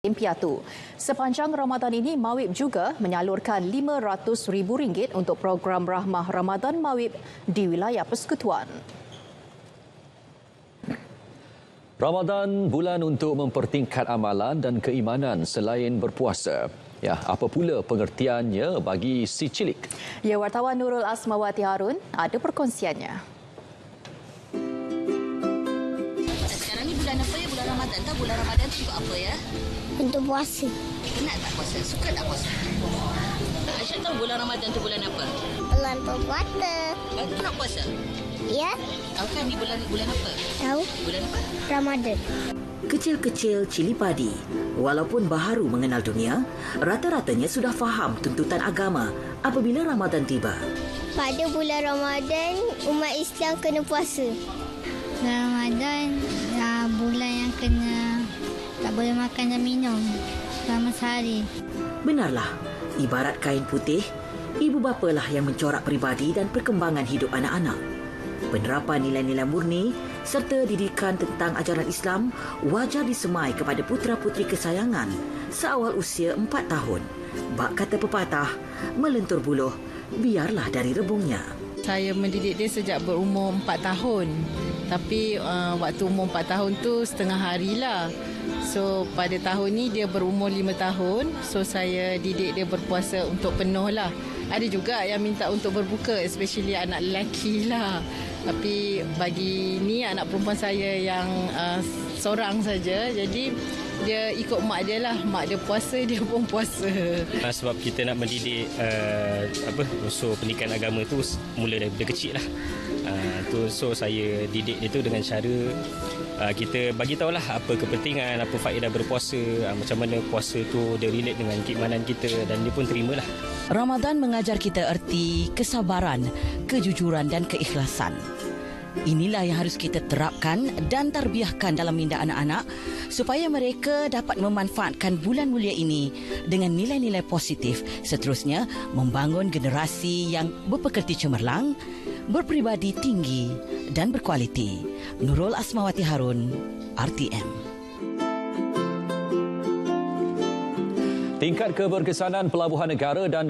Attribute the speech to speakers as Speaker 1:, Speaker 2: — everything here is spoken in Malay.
Speaker 1: Piatu. Sepanjang Ramadan ini, Mawib juga menyalurkan RM500,000 untuk program Rahmah Ramadan Mawib di wilayah Persekutuan.
Speaker 2: Ramadan bulan untuk mempertingkat amalan dan keimanan selain berpuasa. Ya, apa pula pengertiannya bagi si cilik?
Speaker 1: Ya, wartawan Nurul Asmawati Harun ada perkongsiannya.
Speaker 3: Sekarang ni bulan apa ya? Bulan Ramadan tak? Bulan Ramadan tu apa ya?
Speaker 4: Untuk puasa.
Speaker 3: Penat tak puasa? Suka tak puasa? Aisyah tahu bulan Ramadan tu bulan apa?
Speaker 4: Bulan berpuasa.
Speaker 3: Aku nak puasa.
Speaker 4: Ya,
Speaker 3: Tahu kan ni bulan apa?
Speaker 4: tahu
Speaker 3: Bulan apa?
Speaker 4: Ramadan.
Speaker 5: Kecil-kecil cili padi, walaupun baharu mengenal dunia, rata-ratanya sudah faham tuntutan agama apabila Ramadan tiba.
Speaker 4: Pada bulan Ramadan, umat Islam kena puasa.
Speaker 6: Ramadan bulan yang kena tak boleh makan dan minum selama sehari.
Speaker 5: Benarlah, ibarat kain putih, ibu bapalah yang mencorak peribadi dan perkembangan hidup anak-anak. Penerapan nilai-nilai murni serta didikan tentang ajaran Islam wajar disemai kepada putera-puteri kesayangan seawal usia 4 tahun. Bak kata pepatah, melentur buluh, biarlah dari rebungnya.
Speaker 7: Saya mendidik dia sejak berumur 4 tahun. Tapi waktu umur 4 tahun tu setengah hari lah. So pada tahun ni dia berumur 5 tahun. So saya didik dia berpuasa untuk penuh lah. Ada juga yang minta untuk berbuka, especially anak lelaki lah. Tapi bagi ni anak perempuan saya yang seorang saja. Jadi dia ikut mak dia lah. Mak dia puasa, dia pun puasa.
Speaker 8: Sebab kita nak mendidik unsur pendidikan agama tu mula daripada kecil lah. So saya didik dia tu dengan cara kita bagi tahulah apa kepentingan, apa faedah berpuasa, macam mana puasa tu dia relate dengan keimanan kita dan dia pun terimalah.
Speaker 9: Ramadan mengajar kita erti kesabaran, kejujuran dan keikhlasan. Inilah yang harus kita terapkan dan tarbiyahkan dalam minda anak-anak supaya mereka dapat memanfaatkan bulan mulia ini dengan nilai-nilai positif, seterusnya membangun generasi yang berpekerti cemerlang, berpribadi tinggi dan berkualiti. Nurul Asmawati Harun, RTM.
Speaker 2: Tingkat keberkesanan pelabuhan negara dan